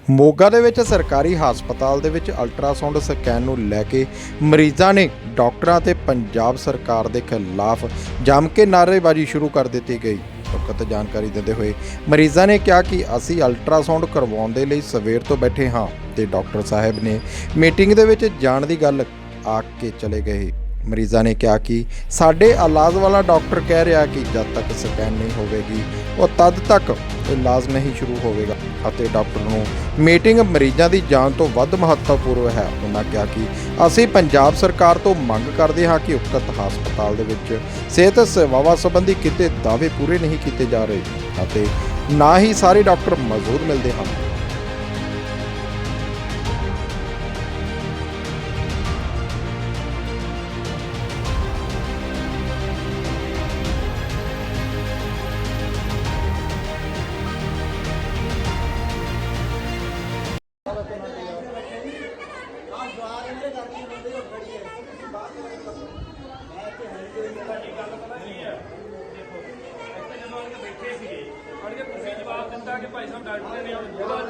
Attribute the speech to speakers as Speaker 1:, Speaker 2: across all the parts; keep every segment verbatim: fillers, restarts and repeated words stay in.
Speaker 1: ਮੋਗਾ ਦੇ ਵਿੱਚ ਸਰਕਾਰੀ ਹਸਪਤਾਲ ਦੇ ਵਿੱਚ ਅਲਟਰਾਸਾਊਂਡ ਸਕੈਨ ਨੂੰ ਲੈ ਕੇ ਮਰੀਜ਼ਾਂ ਨੇ ਡਾਕਟਰਾਂ ਤੇ ਪੰਜਾਬ ਸਰਕਾਰ ਦੇ ਖਿਲਾਫ ਜੰਮ ਕੇ ਨਾਅਰੇਬਾਜ਼ੀ ਸ਼ੁਰੂ ਕਰ ਦਿੱਤੀ ਗਈ। ਉਕਤ ਜਾਣਕਾਰੀ ਦਿੰਦੇ ਹੋਏ ਮਰੀਜ਼ਾਂ ਨੇ ਕਿਹਾ ਕਿ ਅਸੀਂ ਅਲਟਰਾਸਾਊਂਡ ਕਰਵਾਉਣ ਦੇ ਲਈ ਸਵੇਰ ਤੋਂ ਬੈਠੇ ਹਾਂ ਤੇ ਡਾਕਟਰ ਸਾਹਿਬ ਨੇ ਮੀਟਿੰਗ ਦੇ ਵਿੱਚ ਜਾਣ ਦੀ ਗੱਲ ਆਖ ਕੇ ਚਲੇ ਗਏ। ਮਰੀਜ਼ਾਂ ਨੇ ਕਿਹਾ ਕਿ ਸਾਡੇ ਇਲਾਜ ਵਾਲਾ ਡਾਕਟਰ ਕਹਿ ਰਿਹਾ ਕਿ ਜਦ ਤੱਕ ਸਕੈਨ ਨਹੀਂ ਹੋਵੇਗੀ ਉਹ ਤਦ ਤੱਕ ਇਲਾਜ ਨਹੀਂ ਸ਼ੁਰੂ ਹੋਵੇਗਾ ਅਤੇ ਡਾਕਟਰ ਨੂੰ ਮੀਟਿੰਗ ਮਰੀਜ਼ਾਂ ਦੀ ਜਾਨ ਤੋਂ ਵੱਧ ਮਹੱਤਵਪੂਰਨ ਹੈ। ਉਹਨਾਂ ਕਿਹਾ ਕਿ ਅਸੀਂ ਪੰਜਾਬ ਸਰਕਾਰ ਤੋਂ ਮੰਗ ਕਰਦੇ ਹਾਂ ਕਿ ਉਕਤ ਹਸਪਤਾਲ ਦੇ ਵਿੱਚ ਸਿਹਤ ਸੇਵਾਵਾਂ ਸੰਬੰਧੀ ਕਿਤੇ ਦਾਅਵੇ ਪੂਰੇ ਨਹੀਂ ਕੀਤੇ ਜਾ ਰਹੇ ਅਤੇ ਨਾ ਹੀ ਸਾਰੇ ਡਾਕਟਰ ਮੌਜੂਦ ਮਿਲਦੇ ਹਨ।
Speaker 2: जवाब दिता कि भाई साहब डॉक्टर ने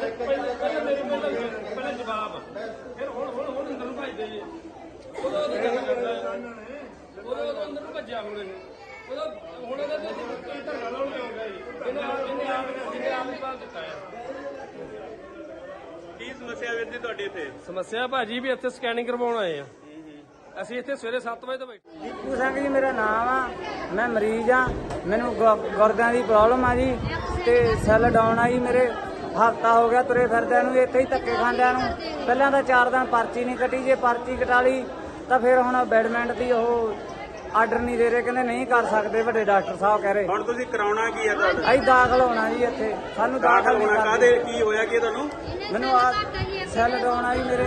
Speaker 2: पहले जवाब फिर हुण हुण हुण अंदर नूं भजदे जी उदों उदों गल करदा उदों उदों अंदर नूं भज्जिया हुण उदों हुण उहदा ते धरना लाउण हो गया जी इन्हें इन्हें आप जिन्हें आप ही बात दिता है।
Speaker 3: ਕੀ ਸਮੱਸਿਆ ਵੀਰ ਜੀ ਤੁਹਾਡੀ ਇੱਥੇ?
Speaker 2: ਸਮੱਸਿਆ ਭਾਜੀ ਵੀ ਇੱਥੇ ਸਕੈਨਿੰਗ ਕਰਵਾਉਣ ਆਏ ਆ। ਅਸੀਂ ਇੱਥੇ ਸਵੇਰੇ ਸੱਤ ਵਜੇ ਤੋਂ ਬੈਠੇ।
Speaker 4: ਦੀਪੂ ਸਿੰਘ ਜੀ ਮੇਰਾ ਨਾਮ ਆ, ਮੈਂ ਮਰੀਜ਼ ਆ, ਮੈਨੂੰ ਗੁਰਦਿਆਂ ਦੀ ਪ੍ਰੋਬਲਮ ਆ ਜੀ ਤੇ ਸੈੱਲ ਡਾਊਨ ਆ ਜੀ ਮੇਰੇ। ਹਫ਼ਤਾ ਹੋ ਗਿਆ ਤੁਰੇ ਫਿਰਦਿਆਂ ਨੂੰ, ਇੱਥੇ ਹੀ ਧੱਕੇ ਖਾਂਦਿਆਂ ਨੂੰ। ਪਹਿਲਾਂ ਤਾਂ ਚਾਰ ਦਿਨ ਪਰਚੀ ਨਹੀਂ ਕੱਟੀ, ਜੇ ਪਰਚੀ ਕਟਾ ਲਈ ਤਾਂ ਫਿਰ ਹੁਣ ਬੈਡਮੈਂਟ ਦੀ ਉਹ ਆਰਡਰ ਨਹੀਂ ਦੇ ਰਹੇ, ਕਹਿੰਦੇ ਨਹੀਂ ਕਰ ਸਕਦੇ ਵੱਡੇ ਡਾਕਟਰ ਸਾਹਿਬ ਕਹਿ ਰਹੇ।
Speaker 3: ਹੁਣ ਤੁਸੀਂ ਕਰਾਉਣਾ ਕੀ ਹੈ ਤੁਹਾਡਾ?
Speaker 4: ਅਸੀਂ ਦਾਖਲ ਹੋਣਾ ਜੀ ਇੱਥੇ, ਸਾਨੂੰ ਦਾਖਲ ਨਹੀਂ
Speaker 3: ਹੋਣਾ ਕਾਹਦੇ? ਕੀ ਹੋਇਆ ਕੀ ਤੁਹਾਨੂੰ?
Speaker 4: ਮੈਨੂੰ ਆ ਸੈੱਲ ਡਾਊਨ ਆ ਜੀ ਮੇਰੇ,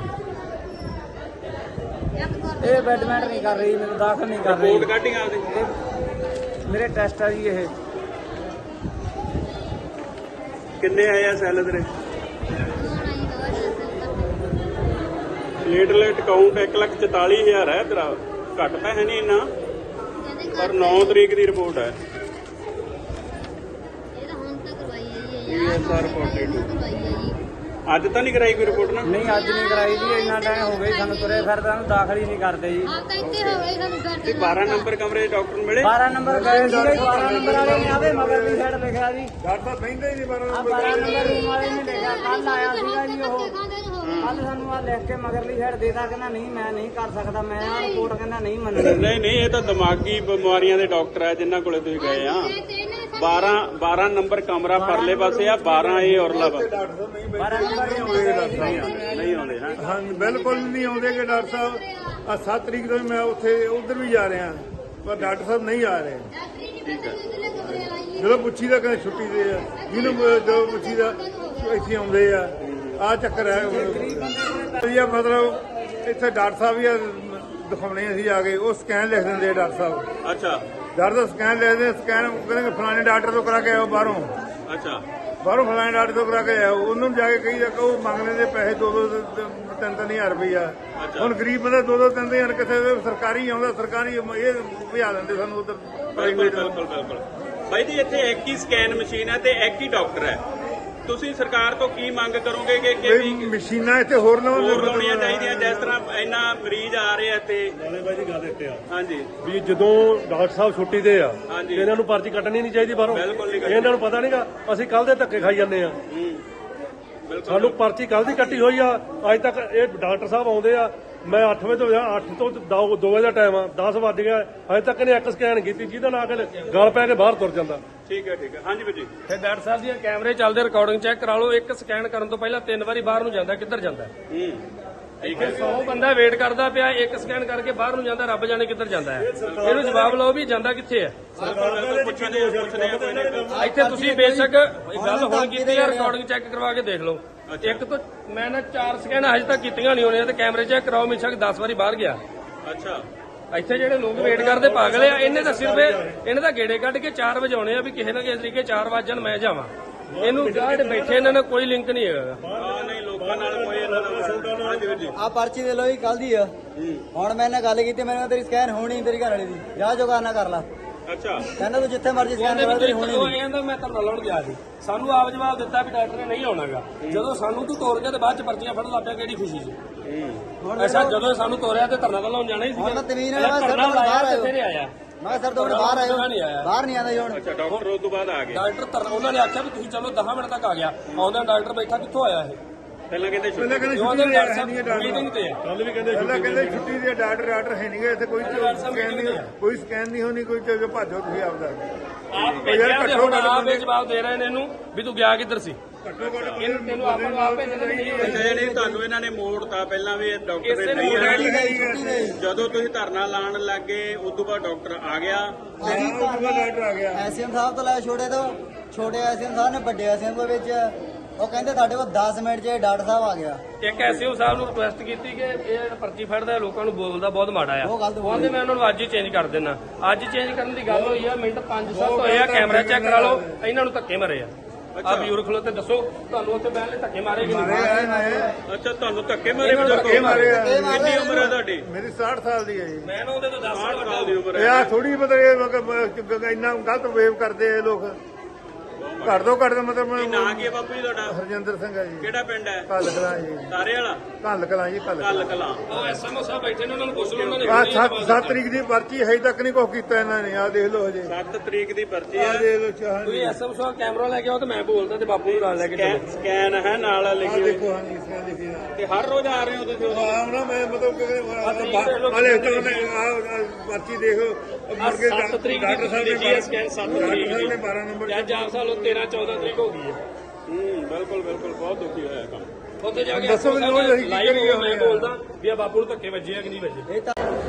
Speaker 4: ਇਹ ਬੈਡਮੈਂਟ ਨਹੀਂ ਕਰ ਰਹੀ, ਮੈਨੂੰ ਦਾਖਲ ਨਹੀਂ ਕਰ ਰਹੀ।
Speaker 3: ਰਿਪੋਰਟ ਕੱਢੀ ਆਪਦੀ?
Speaker 4: ਮੇਰੇ ਟੈਸਟ ਆ ਜੀ। ਇਹ
Speaker 3: ਕਿੰਨੇ ਆਏ ਆ ਸੈੱਲ ਤੇਰੇ? ਪਲੇਟਲੇਟ ਕਾਊਂਟ ਇੱਕ ਲੱਖ ਚੁਤਾਲੀ ਹਜ਼ਾਰ ਹੈ ਤੇਰਾ, ਘੱਟ ਤਾਂ ਹੈ ਨਹੀਂ ਇੰਨਾ, ਪਰ ਨੌ ਤਰੀਕ ਦੀ ਰਿਪੋਰਟ ਹੈ। ਅੱਜ ਤਾਂ ਨਹੀਂ ਕਰਾਈ ਕੋਈ ਰਿਪੋਰਟ ਨਾ?
Speaker 4: ਨਹੀਂ ਅੱਜ ਨਹੀਂ ਕਰਾਈ ਜੀ, ਇੰਨਾ ਟਾਈਮ ਹੋ ਗਿਆ ਸਾਨੂੰ ਤੁਰੇ ਫਿਰਦੇ ਨੂੰ, ਦਾਖਲ ਹੀ ਨਹੀਂ ਕਰਦੇ ਜੀ।
Speaker 3: ਤੇ ਬਾਰਾਂ ਨੰਬਰ ਕਮਰੇ ਦੇ ਡਾਕਟਰ ਨੂੰ ਮਿਲੇ?
Speaker 4: ਬਾਰਾਂ ਨੰਬਰ ਗਏ ਜੀ, ਬਾਰਾਂ ਨੰਬਰ ਵਾਲੇ ਨੇ ਆਵੇ ਮਗਰ ਦੀ ਸਾਈਡ ਲਿਖਿਆ ਜੀ।
Speaker 3: ਡਾਕਟਰ ਬੈਂਦਾ ਹੀ ਨਹੀਂ ਬਾਰਾਂ
Speaker 4: ਆ ਬਾਰਾਂ ਨੰਬਰ ਰੂਮ ਵਾਲੇ ਨੇ ਲਿਖਿਆ, ਕੱਲ ਆਇਆ ਸੀਗਾ ਜੀ ਉਹ, ਕੱਲ ਸਾਨੂੰ ਆ ਲਿਖ ਕੇ ਮਗਰਲੀ ਸਾਈਡ ਦੇਤਾ, ਕਹਿੰਦਾ ਨਹੀਂ ਮੈਂ ਨਹੀਂ ਕਰ ਸਕਦਾ, ਮੈਂ ਆ ਰਿਪੋਰਟ ਕਹਿੰਦਾ ਨਹੀਂ ਮੰਨਣੀ।
Speaker 3: ਨਹੀਂ ਨਹੀਂ, ਇਹ ਤਾਂ ਦਿਮਾਗੀ ਬਿਮਾਰੀਆਂ ਦੇ ਡਾਕਟਰ ਆ ਜਿਨ੍ਹਾਂ ਕੋਲੇ ਤੁਸੀਂ ਗਏ ਆ। ਬਾਰਾਂ ਬਾਰਾਂ ਨੰਬਰ ਕਮਰਾ ਪਰਲੇ ਪਾਸੇ ਆ, ਬਾਰਾਂ ਇਹ ਔਰਲਾ ਵਾ।
Speaker 4: ਬਾਰਾਂ ਨੰਬਰ
Speaker 3: ਨਹੀਂ ਆਉਂਦੇ ਹਾਂ?
Speaker 5: ਹਾਂ ਬਿਲਕੁਲ ਨਹੀਂ ਆਉਂਦੇ ਕਿ ਡਾਕਟਰ ਸਾਹਿਬ। ਆ ਸੱਤ ਤਰੀਕ ਤੋਂ ਮੈਂ ਉੱਥੇ ਉਧਰ ਵੀ ਜਾ ਰਿਹਾ, ਪਰ ਡਾਕਟਰ ਸਾਹਿਬ ਨਹੀਂ ਆ ਰਹੇ।
Speaker 3: ਠੀਕ ਹੈ।
Speaker 5: ਜਦੋਂ ਪੁੱਛੀ ਦਾ ਕਹਿੰਦੇ ਛੁੱਟੀ ਦੇ ਆ, ਜਿਹਨੂੰ ਜਦੋਂ ਪੁੱਛੀ ਦਾ ਇੱਥੇ ਆਉਂਦੇ ਆ। ਆ ਚੱਕਰ ਹੈ ਵਧੀਆ। ਮਤਲਬ ਇੱਥੇ ਡਾਕਟਰ ਸਾਹਿਬ ਵੀ ਦਿਖਾਉਣੇ ਅਸੀਂ ਆ ਕੇ, ਉਹ ਸਕੈਨ ਲਿਖ ਦਿੰਦੇ ਆ ਡਾਕਟਰ ਸਾਹਿਬ।
Speaker 3: ਅੱਛਾ।
Speaker 5: ਡਾਕਟਰ ਦਾ ਸਕੈਨ ਲਿਖਦੇ, ਸਕੈਨ ਕਹਿੰਦੇ ਫਲਾਣੇ ਡਾਕਟਰ ਤੋਂ ਕਰਾ ਕੇ ਆਓ ਬਾਹਰੋਂ,
Speaker 3: ਅੱਛਾ
Speaker 5: ਬਾਹਰੋਂ ਫਲਾਣੇ ਡਾਕਟਰ ਤੋਂ ਕਰਾ ਕੇ ਆਓ। ਉਹਨੂੰ ਜਾ ਕੇ ਕਹੀ ਜਾ, ਉਹ ਮੰਗ ਲੈਂਦੇ ਪੈਸੇ ਦੋ ਦੋ ਤਿੰਨ ਤਿੰਨ ਹਜ਼ਾਰ ਰੁਪਈਆ। ਹੁਣ ਗਰੀਬ ਬੰਦਾ ਦੋ ਦੋ ਤਿੰਨ ਹਜ਼ਾਰ ਕਿੱਥੇ? ਸਰਕਾਰੀ ਆਉਂਦਾ, ਸਰਕਾਰੀ ਇਹ ਭਜਾ ਦਿੰਦੇ ਸਾਨੂੰ ਉਧਰ।
Speaker 3: ਬਿਲਕੁਲ ਬਿਲਕੁਲ ਬਿਲਕੁਲ ਬਾਈ ਜੀ, ਇੱਥੇ ਇੱਕ ਹੀ ਸਕੈਨ ਮਸ਼ੀਨ ਹੈ ਤੇ ਇੱਕ ਹੀ ਡਾਕਟਰ ਹੈ। ਤੁਸੀਂ ਸਰਕਾਰ ਤੋਂ ਕੀ ਮੰਗ ਕਰੋਗੇ ਕਿ ਕਿ
Speaker 5: ਮਸ਼ੀਨਾਂ ਇੱਥੇ ਹੋਰ ਨਾ
Speaker 3: ਹੋਰ ਲਾਉਣੀਆਂ ਚਾਹੀਦੀਆਂ? ਜਿਸ ਤਰ੍ਹਾਂ ਇੰਨਾ ਮਰੀਜ਼ ਆ ਰਹੇ ਆ ਤੇ
Speaker 6: ਨਾਲੇ ਬਾਈ ਜੀ ਗੱਲ ਇੱਥੇ ਆ
Speaker 3: ਹਾਂਜੀ
Speaker 6: ਵੀ ਜਦੋਂ ਡਾਕਟਰ ਸਾਹਿਬ ਛੁੱਟੀ ਤੇ ਆ
Speaker 3: ਹਾਂਜੀ।
Speaker 6: ਇਹਨਾਂ ਨੂੰ ਪਰਚੀ ਕੱਟਣੀ ਨਹੀਂ ਚਾਹੀਦੀ ਬਾਹਰੋਂ।
Speaker 3: ਬਿਲਕੁਲ ਨਹੀਂ ਕੱਟਣੀ।
Speaker 6: ਇਹਨਾਂ ਨੂੰ ਪਤਾ ਨਹੀਂਗਾ, ਅਸੀਂ ਕੱਲ ਦੇ ਧੱਕੇ ਖਾਈ ਜਾਂਦੇ ਆ। ਸਾਨੂੰ ਪਰਚੀ ਕੱਲ ਦੀ ਕੱਟੀ ਹੋਈ ਆ, ਅੱਜ ਤੱਕ ਇਹ ਡਾਕਟਰ ਸਾਹਿਬ ਆਉਂਦੇ ਆ। ਮੈਂ ਅੱਠ ਵਜੇ ਤੋਂ ਅੱਠ ਤੋਂ ਦੋ ਵਜੇ ਦਾ ਟਾਈਮ ਆ, ਦਸ ਵੱਜ ਗਿਆ, ਅਜੇ ਤੱਕ ਇਹਨੇ ਇੱਕ ਸਕੈਨ ਕੀਤੀ ਜਿਹਦਾ ਨਾਲ ਕੇ ਗਲ ਪੈ ਕੇ ਬਾਹਰ ਤੁਰ ਜਾਂਦਾ।
Speaker 3: ਠੀਕ ਹੈ ਠੀਕ ਹੈ। ਹਾਂਜੀ ਭਾਜੀ,
Speaker 2: ਫਿਰ ਡਾਕਟਰ ਸਾਹਿਬ ਦੀਆਂ ਕੈਮਰੇ ਚੱਲਦੇ, ਰਿਕਾਰਡਿੰਗ ਚੈੱਕ ਕਰਾ ਲਓ। ਇੱਕ ਸਕੈਨ ਕਰਨ ਤੋਂ ਪਹਿਲਾਂ ਤਿੰਨ ਵਾਰੀ ਬਾਹਰ ਨੂੰ ਜਾਂਦਾ, ਕਿੱਧਰ ਜਾਂਦਾ?
Speaker 3: ਹੂੰ ਠੀਕ ਹੈ।
Speaker 2: ਸੌ ਬੰਦਾ ਵੇਟ ਕਰਦਾ ਪਿਆ, ਇੱਕ ਸਕੈਨ ਕਰਕੇ ਬਾਹਰ ਨੂੰ ਜਾਂਦਾ, ਰੱਬ ਜਾਣੇ ਕਿੱਧਰ ਜਾਂਦਾ ਹੈ। ਇਹਨੂੰ ਜਵਾਬ ਲਓ ਵੀ ਜਾਂਦਾ ਕਿੱਥੇ ਹੈ।
Speaker 3: ਪੁੱਛਦੇ ਪੁੱਛਦੇ ਆ ਕੋਈ ਨਾ ਕੋਈ।
Speaker 2: ਇੱਥੇ ਤੁਸੀਂ ਬੇਸ਼ੱਕ ਗੱਲ ਹੁਣ ਕੀਤੀ ਹੈ, ਰਿਕਾਰਡਿੰਗ ਚੈੱਕ ਕਰਵਾ ਕੇ ਦੇਖ ਲਓ। ਇੱਕ ਤੋਂ ਮੈਂ ਨਾ ਚਾਰ ਸਕੈਨ ਹਜੇ ਤੱਕ ਕੀਤੀਆਂ ਨਹੀਂ ਹੋਣੀਆਂ ਤੇ ਕੈਮਰੇ ਚੈੱਕ ਕਰਾਓ, ਬੇਸ਼ੱਕ ਦਸ ਵਾਰੀ ਬਾਹਰ ਗਿਆ।
Speaker 3: ਅੱਛਾ।
Speaker 2: ਇੱਥੇ ਜਿਹੜੇ ਲੋਕ ਵੇਟ ਕਰਦੇ ਪਾਗਲ ਆ, ਇਹਨੇ ਤਾਂ ਸਿਰਫ ਇਹਨੇ ਤਾਂ ਗੇੜੇ ਕੱਢ ਕੇ ਚਾਰ ਵਜਾਉਣੇ ਆ ਵੀ ਕਿਸੇ ਨਾ ਕਿਸੇ ਤਰੀਕੇ ਚਾਰ ਵਜਣ ਮੈਂ ਜਾਵਾਂ। ਇਹਨੂੰ ਜਿਹੜੇ ਬੈਠੇ ਇਹਨਾਂ ਨਾਲ ਕੋਈ ਲਿੰਕ ਨਹੀਂ ਹੈਗਾ।
Speaker 3: ਹਾਂ ਨਹੀਂ, ਲੋਕਾਂ ਨਾਲ ਕੋਈ ਇਹਨਾਂ ਦਾ। ਹਾਂਜੀ ਵੀਰ ਜੀ,
Speaker 7: ਆ ਪਰਚੀ ਦੇ ਲੋ ਜੀ ਕੱਲ ਦੀ ਆ। ਹੁਣ ਮੈਂ ਨਾਲ ਗੱਲ ਕੀਤੀ, ਮੈਨੂੰ ਤੇਰੀ ਸਕੈਨ ਹੋਣੀ ਤੇਰੀ ਘਰ ਵਾਲੀ ਦੀ, ਜਾ ਜੋ ਕਰਨਾ ਕਰ ਲਾ।
Speaker 3: ਅੱਛਾ
Speaker 4: ਕਹਿੰਦਾ ਤੂੰ ਜਿੱਥੇ ਮਰਜ਼ੀ ਸਕੈਨ ਕਰਾ ਤੇਰੀ ਹੋਣੀ
Speaker 2: ਉਹ ਕਹਿੰਦਾ ਮੈਂ ਧਰਨਾ ਲਾਉਣ ਗਿਆ ਸੀ ਸਾਨੂੰ ਆਪ ਜਵਾਬ ਦਿੱਤਾ ਵੀ ਡਾਕਟਰ ਨੇ ਨਹੀਂ ਆਉਣਾਗਾ ਜਦੋਂ ਸਾਨੂੰ ਤੂੰ ਤੋੜ ਕੇ ਤੇ ਬਾਅਦ ਚ ਪਰਚੀਆਂ ਫੜਨ ਲੱਗ ਪਿਆ ਕਿਹੜੀ ਖੁਸ਼ੀ ਚ ਅੱਛਾ ਜਦੋਂ ਸਾਨੂੰ ਤੋਰਿਆ ਤੇ ਧਰਨਾ ਤਾਂ ਲਾਉਣ ਜਾਣਾ ਹੀ ਸੀ
Speaker 4: ਹੁਣ ਤਮੀਨ ਨਾਲ ਬਾਹਰ
Speaker 2: ਧਰਨਾ ਲਾਇਆ ਤੇ
Speaker 4: ਆਇਓ।
Speaker 2: ਫਿਰ ਆਇਆ
Speaker 4: ਮੈਂ ਕਿਹਾ ਸਰ ਤੋਂ ਬਾਹਰ ਆਇਓ
Speaker 2: ਨਹੀਂ ਆਇਆ
Speaker 4: ਬਾਹਰ ਨਹੀਂ ਆਉਂਦਾ ਜੀ ਹੁਣ
Speaker 3: ਅੱਛਾ ਡਾਕਟਰ ਉਸ ਤੋਂ ਬਾਅਦ ਆ ਗਏ
Speaker 2: ਡਾਕਟਰ ਧਰਨਾ ਉਹਨਾਂ ਨੇ ਆਖਿਆ ਵੀ ਤੁਸੀਂ ਚਲੋ ਦਸ ਮਿੰਟ ਤੱਕ ਆ ਗਿਆ ਆਉਂਦਾ ਡਾਕਟਰ ਬੈਠਾ ਕਿੱਥੋਂ ਆਇਆ ਇਹ
Speaker 3: ਪਹਿਲਾਂ ਕਹਿੰਦੇ ਛੁੱਟੀ
Speaker 5: ਪਹਿਲਾਂ ਕਹਿੰਦੇ
Speaker 2: ਉਹਦੇ
Speaker 5: ਛੁੱਟੀ
Speaker 2: ਡਾਕਟਰ
Speaker 5: ਹੈ
Speaker 2: ਸਾਹਿਬ
Speaker 5: ਨਹੀਂ ਡਾਕਟਰ
Speaker 2: ਮੀਟਿੰਗ ਤੇ ਆ
Speaker 6: ਕੱਲ ਵੀ ਕਹਿੰਦੇ
Speaker 5: ਪਹਿਲਾਂ ਕਹਿੰਦੇ ਛੁੱਟੀ ਦੇ ਡਾਕਟਰ ਡਾਕਟਰ ਹੈ ਨਹੀਂਗੇ ਇੱਥੇ ਕੋਈ ਸਕੈਨ ਨਹੀਂ ਕੋਈ ਸਕੈਨ ਨਹੀਂ ਹੋਣੀ ਕੋਈ ਤੇ ਭਾਜੋ ਤੁਸੀਂ ਆਪਦਾ
Speaker 2: ਆਪ ਭੇਜਿਆ ਤੇ ਹੁਣ ਆਪ ਇਹ ਜਵਾਬ ਦੇ ਰਹੇ ਨੇ ਇਹਨੂੰ ਵੀ ਤੂੰ ਗਿਆ ਕਿੱਧਰ ਸੀ
Speaker 5: ਘੱਟੋ ਘੱਟ
Speaker 2: ਇਹਨੂੰ ਤੈਨੂੰ ਆਪਾਂ ਨੂੰ ਆਪ ਭੇਜਣਾ ਨਹੀਂ
Speaker 3: ਅੱਛਾ ਨਹੀਂ ਤੁਹਾਨੂੰ ਇਹਨਾਂ ਨੇ ਮੋੜਤਾ ਪਹਿਲਾਂ ਵੀ ਇਹ ਡਾਕਟਰ
Speaker 2: ਇਸੇ
Speaker 3: ਨੇ
Speaker 2: ਨੂੰ
Speaker 3: ਨਹੀਂ
Speaker 2: ਮੋੜਿਆ
Speaker 3: ਆਇਆ ਜਦੋਂ ਤੁਸੀਂ ਧਰਨਾ ਲਾਉਣ ਲੱਗੇ ਉਸ ਤੋਂ ਬਾਅਦ ਡਾਕਟਰ ਆ ਗਿਆ
Speaker 5: ਡਾਕਟਰ ਆ ਗਿਆ
Speaker 4: ਐਸਐਮ ਸਾਹਿਬ ਤੋਂ ਲੈ ਛੋਟੇ ਤੋਂ ਛੋਟੇ ਐਸਐਮ ਸਾਹਿਬ ਨੇ ਵੱਡੇ ਐਸਐਮ ਦੇ ਵਿੱਚ ਉਹ ਕਹਿੰਦੇ ਤੁਹਾਡੇ ਕੋਲ ਦਸ ਮਿੰਟ 'ਚ ਡਾਕਟਰ ਸਾਹਿਬ ਆ ਗਿਆ
Speaker 2: ਇੱਕ ਐਸਓ ਸਾਹਿਬ ਨੂੰ ਰਿਕੁਐਸਟ ਕੀਤੀ ਕਿ ਇਹ ਜਿਹੜਾ ਪਰਚੀ ਫੜਦਾ ਲੋਕਾਂ ਨੂੰ ਬੋਲਦਾ ਬਹੁਤ ਮਾੜਾ ਆ
Speaker 4: ਉਹ ਗਲਤ
Speaker 2: ਉਹ ਕਹਿੰਦੇ ਮੈਂ ਉਹਨਾਂ ਨੂੰ ਅੱਜ ਹੀ ਚੇਂਜ ਕਰ ਦੇਣਾ ਅੱਜ ਚੇਂਜ ਕਰਨ ਦੀ ਗੱਲ ਹੋਈ ਆ ਮਿੰਟ ਪੰਜ ਸੱਤ ਹੋਏ ਆ ਕੈਮਰਾ ਚੈੱਕ ਕਰਾ ਲਓ ਇਹਨਾਂ ਨੂੰ ਧੱਕੇ ਮਾਰੇ ਆ ਆ ਬਜ਼ੁਰਗ ਖਲੋ ਤੇ ਦੱਸੋ ਤੁਹਾਨੂੰ ਉੱਥੇ ਬਹਿਣ ਲਈ ਧੱਕੇ ਮਾਰੇ ਕਿ ਨਹੀਂ
Speaker 3: ਅੱਛਾ ਤੁਹਾਨੂੰ ਧੱਕੇ ਮਾਰੇ ਬਜ਼ੁਰਗ
Speaker 5: ਇਹ ਮਾਰੇ ਆ।
Speaker 3: ਕਿੰਨੀ ਉਮਰ ਹੈ ਤੁਹਾਡੀ
Speaker 5: ਮੇਰੀ ਸਾਠ ਸਾਲ ਦੀ ਹੈ ਜੀ
Speaker 2: ਮੈਂ ਨਾ ਉਹਦੇ ਤੋਂ ਦਸ ਸਾਲ
Speaker 3: ਸਾਲ ਦੀ ਉਮਰ
Speaker 5: ਇਹ
Speaker 3: ਹੈ
Speaker 5: ਆ ਥੋੜੀ ਮਤਲਬ ਇਹ ਇੰਨਾ ਗਲਤ ਵੇਵ ਕਰਦੇ ਆ ਇਹ ਲੋਕ ਘੱਟ ਤੋਂ ਘੱਟ ਮਤਲਬ
Speaker 3: ਨਾਂ ਕੀ ਹੈ ਬਾਪੂ ਜੀ ਤੁਹਾਡਾ
Speaker 5: ਹਰਜਿੰਦਰ ਸਿੰਘ ਹੈ ਜੀ
Speaker 3: ਕਿਹੜਾ ਪਿੰਡ ਹੈ
Speaker 5: ਕੱਲ ਕਲਾਂ ਜੀ
Speaker 3: ਸਾਰੇ ਵਾਲਾ
Speaker 5: ਕੱਲ ਕਲਾਂ ਜੀ ਕੱਲ
Speaker 3: ਕੱਲ ਕਲਾਂ
Speaker 2: ਉਹ ਐਸਐਮਓ ਸਾਹਿਬ ਬੈਠੇ ਨੇ ਉਹਨਾਂ ਨੂੰ ਪੁੱਛ ਲਓ ਉਹਨਾਂ ਨੇ
Speaker 5: ਆ
Speaker 2: ਹੁਣੇ ਜਵਾਬ
Speaker 5: ਸੱਤ
Speaker 2: ਦਿੱਤਾ।
Speaker 5: ਸੱਤ ਤਰੀਕ ਦੀ ਪਰਚੀ ਹੈ ਤੱਕ ਨਹੀਂ ਕੁਛ ਕੀਤਾ ਇਹਨਾਂ ਨੇ ਆ ਦੇਖ ਲਓ ਹਜੇ
Speaker 3: ਸੱਤ ਤਰੀਕ ਦੀ ਪਰਚੀ
Speaker 5: ਆ
Speaker 3: ਹੈ
Speaker 5: ਦੇਖ ਲਓ ਚਾਹ
Speaker 2: ਤੁਸੀਂ ਐਸਐਮਓ ਸਾਹਿਬ ਕੈਮਰਾ ਲੈ ਕੇ ਆਓ ਤੇ ਮੈਂ ਬੋਲਦਾ ਤੇ ਬਾਪੂ ਨੂੰ ਨਾਲ ਲੈ ਕੇ ਚੱਲੋ
Speaker 3: ਸਕੈਨ ਹੈ ਨਾਲ
Speaker 5: ਆ
Speaker 3: ਲਿਖੀ ਹੋਈ
Speaker 5: ਦੇਖੋ ਹਾਂ ਜੀ ਇਸ ਲਿਖੀ ਆ
Speaker 3: ਤੇ ਹਰ ਰੋਜ਼ ਆ ਰਹੇ ਹੋ ਤੁਸੀਂ ਉਦੋਂ?
Speaker 5: ਹਾਂ ਨਾ ਮੈਂ ਮਤਲਬ ਕਿ ਹਲੇ ਚਲੋ ਮੈਂ ਆ ਪਰਚੀ ਦੇਖੋ ਮੁੜ ਕੇ
Speaker 2: ਸੱਤ ਤਰੀਕ ਦੀ
Speaker 5: ਡਾਕਟਰ ਸਾਹਿਬ ਨੇ
Speaker 2: ਲਿਖੀ ਹੈ ਸਕੈਨ ਸੱਤ
Speaker 5: ਡਾਕਟਰ
Speaker 2: ਤਰੀਕ
Speaker 5: ਸਾਹਿਬ ਨੇ
Speaker 2: ਦੀ
Speaker 5: ਬਾਰਾਂ ਨੰਬਰ
Speaker 2: ਜਾਂ ਚਾਰ ਸਾਲ ਤੇਰਾਂ ਚੌਦਾਂ ਤਰੀਕ ਹੋ ਗਈ ਹੈ
Speaker 3: ਹੂੰ ਬਿਲਕੁਲ ਬਿਲਕੁਲ ਬਹੁਤ ਦੁਖੀ ਹੋਇਆ ਕੰਮ
Speaker 2: ਉੱਥੇ ਜਾ ਕੇ
Speaker 5: ਦੱਸੋ ਮੈਨੂੰ ਅਸੀਂ ਕੀ
Speaker 2: ਲਾਈਵ
Speaker 5: ਕਰੀਏ
Speaker 2: ਮੈਂ ਬੋਲਦਾ ਵੀ ਆ ਬਾਪੂ ਨੂੰ ਧੱਕੇ ਵੱਜੇ ਆ ਕਿ ਨਹੀਂ ਵੱਜੇ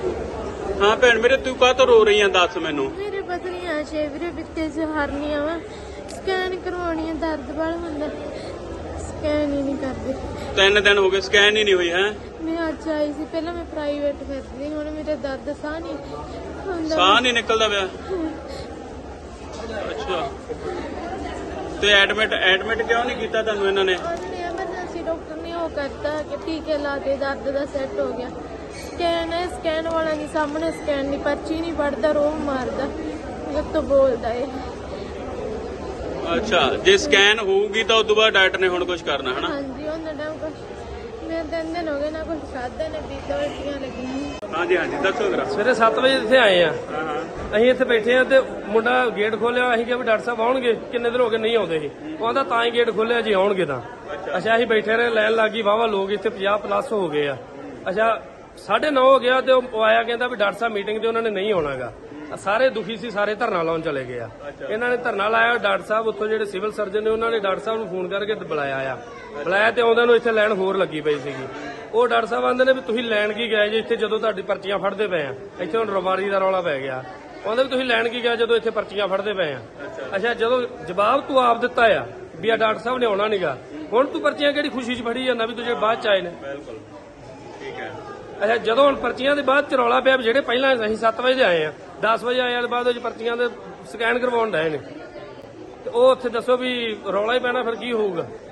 Speaker 3: ਹਾਂ ਭੈਣ ਮੇਰੇ ਤੂੰ ਕਾਹ ਤੋਂ ਰੋ ਰਹੀ ਆਂ ਦੱਸ ਮੈਨੂੰ
Speaker 7: ਮੇਰੇ ਪਤਨੀਆਂ ਛੇ ਵੀਰੇ ਪਿੱਤੇ ਚ ਹਰਨੀਆਂ ਵਾ ਸਕੈਨ ਕਰਵਾਉਣੀ ਆ ਦਰਦ ਬੜਾ ਹੁੰਦਾ ਸਕੈਨ ਹੀ ਨਹੀਂ ਕਰਦੇ
Speaker 3: ਤਿੰਨ ਦਿਨ ਹੋ ਗਏ ਸਕੈਨ ਹੀ ਨਹੀਂ ਹੋਈ ਹੈ
Speaker 7: ਮੈਂ ਅੱਜ ਆਈ ਸੀ ਪਹਿਲਾਂ ਮੈਂ ਪ੍ਰਾਈਵੇਟ ਫਿਰਦੀ ਹੁਣ ਮੇਰੇ ਦਰਦ ਸਾਹ ਨਹੀਂ ਹੁੰਦਾ
Speaker 3: ਸਾਹ ਨਹੀਂ ਨਿਕਲਦਾ ਪਿਆ ਅੱਛਾ ਤੇ ਐਡਮਿਟ ਐਡਮਿਟ ਕਿਉਂ ਨਹੀਂ ਕੀਤਾ ਤੁਹਾਨੂੰ ਇਹਨਾਂ ਨੇ
Speaker 7: ਉਹਨੇ ਐਮਰਜੈਂਸੀ ਡਾਕਟਰ ਨੇ ਉਹ ਕਰਤਾ ਕਿ ਟੀਕੇ ਲਾ ਦੇ ਦਰਦ ਦਾ ਸੈੱਟ ਹੋ ਗਿਆ ਸਕੈਨ ਹੈ ਸਕੈਨ ਵਾਲਾ ਨਹੀਂ ਸਾਹਮਣੇ ਸਕੈਨ ਨਹੀਂ ਪਰਚੀ ਨਹੀਂ ਪੜਦਾ ਰੋਹ ਮਾਰਦਾ ਜਦ ਤੋਂ ਬੋਲਦਾ ਏ
Speaker 3: ਅੱਛਾ ਜੇ ਸਕੈਨ ਹੋਊਗੀ ਤਾਂ ਉਦੋਂ ਬਾਅਦ ਡਾਕਟਰ ਨੇ ਹੁਣ ਕੁਝ ਕਰਨਾ ਹਨਾ
Speaker 7: ਹਾਂਜੀ ਉਹਨਾਂ ਦਾ ਕੁਝ ਮੈਂ ਤਿੰਨ ਦਿਨ ਹੋ ਗਏ ਨਾ ਕੁਝ ਖਾਧਾ ਨਾ ਪੀਤਾ ਉਲਟੀਆਂ ਲੱਗੀਆਂ
Speaker 3: ਹਾਂਜੀ ਹਾਂਜੀ ਦੱਸੋ ਜਰਾ
Speaker 2: ਸਵੇਰੇ ਸੱਤ ਵਜੇ ਇੱਥੇ ਆਏ ਆ
Speaker 3: ਹਾਂ ਹਾਂ
Speaker 2: ਅਸੀਂ ਇੱਥੇ ਬੈਠੇ ਆ ਤੇ ਮੁੰਡਾ ਗੇਟ ਖੋਲਿਆ ਅਸੀਂ ਕਿਹਾ ਵੀ ਡਾਕਟਰ ਸਾਹਿਬ ਆਉਣਗੇ ਕਿੰਨੇ ਦਿਨ ਹੋ ਗਏ ਨਹੀਂ ਆਉਂਦੇ ਸੀ ਉਹ ਕਹਿੰਦਾ ਤਾਂ ਹੀ ਗੇਟ ਖੋਲਿਆ ਜੀ ਆਉਣਗੇ ਤਾਂ ਅੱਛਾ ਅਸੀਂ ਬੈਠੇ ਰਹੇ ਲਾਈਨ ਲੱਗੀ ਵਾਵਾ ਲੋਕ ਇੱਥੇ ਪੰਜਾਹ ਪਲੱਸ ਹੋ ਗਏ ਆ ਅੱਛਾ ਸਾਢੇ ਨੌ ਹੋ ਗਿਆ ਤੇ ਉਹ ਆਇਆ ਕਹਿੰਦਾ ਵੀ ਡਾਕਟਰ ਸਾਹਿਬ ਮੀਟਿੰਗ ਤੇ ਉਹਨਾਂ ਨੇ ਨਹੀਂ ਆਉਣਾਗਾ ਸਾਰੇ ਦੁਖੀ ਸੀ ਸਾਰੇ ਧਰਨਾ ਲਾਉਣ ਚਲੇ ਗਏ ਆ ਇਹਨਾਂ ਨੇ ਧਰਨਾ ਲਾਇਆ ਡਾਕਟਰ ਸਾਹਿਬ ਉੱਥੋਂ ਜਿਹੜੇ ਸਿਵਲ ਸਰਜਨ ਨੇ ਉਹਨਾਂ ਨੇ ਡਾਕਟਰ ਸਾਹਿਬ ਨੂੰ ਫੋਨ ਕਰਕੇ ਬੁਲਾਇਆ ਆ ਬੁਲਾਇਆ ਤੇ ਆਉਂਦਿਆਂ ਨੂੰ ਇੱਥੇ ਲਾਈਨ ਹੋਰ ਲੱਗੀ ਪਈ ਸੀਗੀ ਉਹ ਡਾਕਟਰ ਸਾਹਿਬ ਆਂਦੇ ਨੇ ਵੀ ਤੁਸੀਂ ਲੈਣ ਕੀ ਗਏ ਜੇ ਇੱਥੇ ਜਦੋਂ ਤੁਹਾਡੀ ਪਰਚੀਆਂ ਫੜਦੇ ਪਏ ਆ ਇੱਥੇ ਹੁਣ ਰਵਾਰੀ ਦਾ ਰੌਲਾ ਪੈ ਗਿਆ ਕਹਿੰਦੇ ਵੀ ਤੁਸੀਂ ਲੈਣ ਕੀ ਗਏ ਜਦੋਂ ਇੱਥੇ ਪਰਚੀਆਂ ਫੜਦੇ ਪਏ ਆ ਅੱਛਾ ਜਦੋਂ ਜਵਾਬ ਤੂੰ ਆਪ ਦਿੱਤਾ ਆ ਵੀ ਆ ਡਾਕਟਰ ਸਾਹਿਬ ਨੇ ਆਉਣਾ ਨਹੀਂਗਾ ਹੁਣ ਤੂੰ ਪਰਚੀਆਂ ਕਿਹੜੀ ਖੁਸ਼ੀ 'ਚ ਫੜੀ ਜਾਂਦਾ ਵੀ ਤੂੰ ਜਿਹੜੇ ਬਾਅਦ 'ਚ ਆਏ ਨੇ
Speaker 3: ਬਿਲਕੁਲ ਠੀਕ ਹੈ
Speaker 2: ਅੱਛਾ ਜਦੋਂ ਹੁਣ ਪਰਚੀਆਂ ਦੇ ਬਾਅਦ ਚ ਰੌਲਾ ਪਿਆ ਵੀ ਜਿਹੜੇ ਪਹਿਲਾਂ ਅਸੀਂ ਸੱਤ ਵਜੇ ਦੇ ਆਏ ਆ ਦਸ ਵਜੇ ਆਏ ਆ ਬਾਅਦ ਵਿੱਚ ਪਰਚੀਆਂ ਦੇ ਸਕੈਨ ਕਰਵਾਉਣ ਡਏ ਨੇ ਤੇ ਉਹ ਉੱਥੇ ਦੱਸੋ ਵੀ ਰੌਲਾ ਹੀ ਪੈਣਾ ਫਿਰ ਕੀ ਹੋਊਗਾ